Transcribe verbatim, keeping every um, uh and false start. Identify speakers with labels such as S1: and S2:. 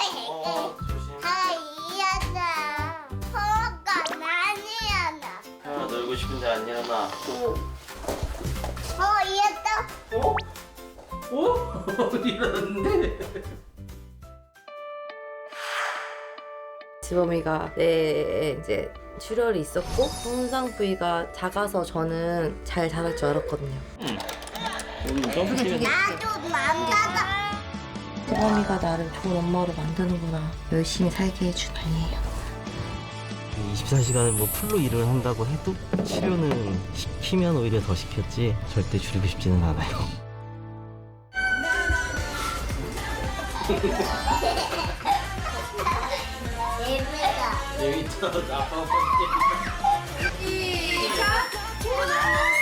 S1: 어, 조심.
S2: 하이야나 허가 많이 하나.
S1: 태연아, 놀고 싶은데 안 일어나.
S2: 어 이었다.
S1: 어? 어? 일어났는데?
S3: 지범이가 내 이제 출혈이 있었고 손상 부위가 작아서 저는 잘 자랄 줄 알았거든요.
S1: 응. 오늘 점프팀.
S2: 나도 맘마가.
S3: 지범이가 나를 좋은 엄마로 만드는구나. 열심히 살게 해준 아니에요.
S4: 이십사 시간을 뭐 풀로 일을 한다고 해도 치료는 시키면 오히려 더 시켰지 절대 줄이고 싶지는 않아요.
S2: 예배가.
S1: 재밌다. 아빠
S2: 시작.